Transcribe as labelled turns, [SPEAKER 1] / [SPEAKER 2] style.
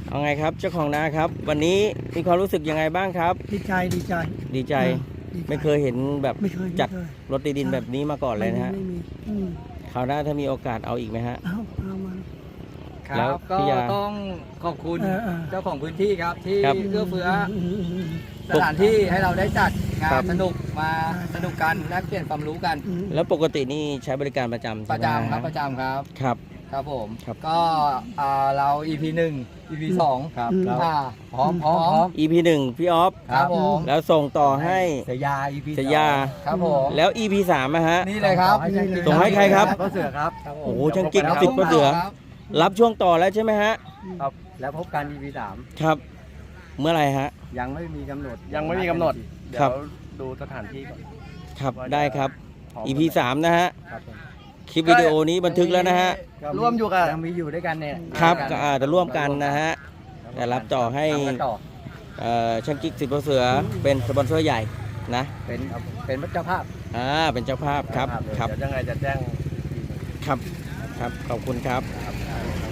[SPEAKER 1] เอาไงครับเจ้าของนาครับ วันนี้มีความรู้สึกยังไงบ้างครับ
[SPEAKER 2] ดีใจดีใจ
[SPEAKER 1] ดีใจ
[SPEAKER 2] ดีใจ
[SPEAKER 1] ไม่เคยเห็นแบบ
[SPEAKER 2] ไม่เคย
[SPEAKER 1] จัด
[SPEAKER 2] ไม่เคย
[SPEAKER 1] รถตีดินแบบนี้มาก่อนเลยนะฮะ
[SPEAKER 2] ไม่มีอืม
[SPEAKER 1] คราวหน้าถ้ามีโอกาสเอาอีกไหมฮะ
[SPEAKER 2] เอามา
[SPEAKER 3] ค
[SPEAKER 1] แล้
[SPEAKER 3] รั
[SPEAKER 1] ว
[SPEAKER 3] บก็
[SPEAKER 1] พี่ยา
[SPEAKER 3] ต้องขอบคุณ
[SPEAKER 2] เออ
[SPEAKER 3] เจ้าของพื้นที่ครับที่
[SPEAKER 1] ครับ
[SPEAKER 3] เอื้อเฟื้อ
[SPEAKER 2] ม
[SPEAKER 3] สถานที่ให้เราได้จัดงา
[SPEAKER 1] ครั
[SPEAKER 3] น
[SPEAKER 1] บ
[SPEAKER 3] สนุกมา
[SPEAKER 2] ใช่
[SPEAKER 3] สนุกกันแลกเปลี่ยนความรู้กัน
[SPEAKER 2] อืม
[SPEAKER 1] แล้วปกตินี่ใช้บริการประจำ
[SPEAKER 3] ป
[SPEAKER 1] ใช่
[SPEAKER 3] ระ
[SPEAKER 1] ไหม
[SPEAKER 3] จำครับ
[SPEAKER 1] ฮะ
[SPEAKER 3] ประจำครับ
[SPEAKER 1] ครับ
[SPEAKER 3] ครับผม
[SPEAKER 1] ครับ
[SPEAKER 3] ก็เรา EP 1 EP 2
[SPEAKER 2] ครับ
[SPEAKER 3] พร้อม
[SPEAKER 1] EP 1พี่ออฟ
[SPEAKER 3] ครับผม
[SPEAKER 1] แล้วส่งต่อให้
[SPEAKER 4] สยา EP
[SPEAKER 1] สยา
[SPEAKER 3] ครับผม
[SPEAKER 1] แล้ว EP 3นะฮะ
[SPEAKER 3] นี่เลยครับ
[SPEAKER 1] ส่งให้ใครครับ
[SPEAKER 4] ก็เสือครับ
[SPEAKER 1] โอ้โหช่างกิ๊ก
[SPEAKER 3] ครับ
[SPEAKER 1] สิบก็เสือ
[SPEAKER 3] ครับ
[SPEAKER 1] รับช่วงต่อแล้วใช่ไหมฮะ
[SPEAKER 4] ครับแล้วพบกัน EP
[SPEAKER 1] ครับ เมื่อไหร่ฮะ
[SPEAKER 4] 3ยังไม่มีกำหนด
[SPEAKER 5] ยังไม่มีกำหนด เดี๋
[SPEAKER 1] ครั
[SPEAKER 5] ยว
[SPEAKER 1] บ
[SPEAKER 5] ดูสถานที่ก่อน
[SPEAKER 1] ครับ
[SPEAKER 5] ว่าจะ
[SPEAKER 1] ได้ครับ
[SPEAKER 5] พร้อม
[SPEAKER 1] EP 3นะฮะ
[SPEAKER 4] ครับผม
[SPEAKER 1] คลิปวิดีโอนี้บันทึกแล้วนะฮะ
[SPEAKER 5] ร่วมอยู่กับ
[SPEAKER 4] ยังมีอยู่ด้วยกันเนี่ย
[SPEAKER 1] ครับก็อาจจะร่วมกันนะฮะ แต่รับต่อให้
[SPEAKER 4] ทำกันต่อ
[SPEAKER 1] ช่างกิ๊กสิบเสือเป็นสปอนเซอร์ใหญ่นะ
[SPEAKER 4] เป็นเจ้าภาพ
[SPEAKER 1] เป็นเจ้าภาพครับ
[SPEAKER 4] เจ้าภาพเลย
[SPEAKER 1] ครับ
[SPEAKER 5] เดี๋ยวยังไงจะแจ้ง
[SPEAKER 1] ครับ ครับ ขอบคุณครับ
[SPEAKER 4] ครับ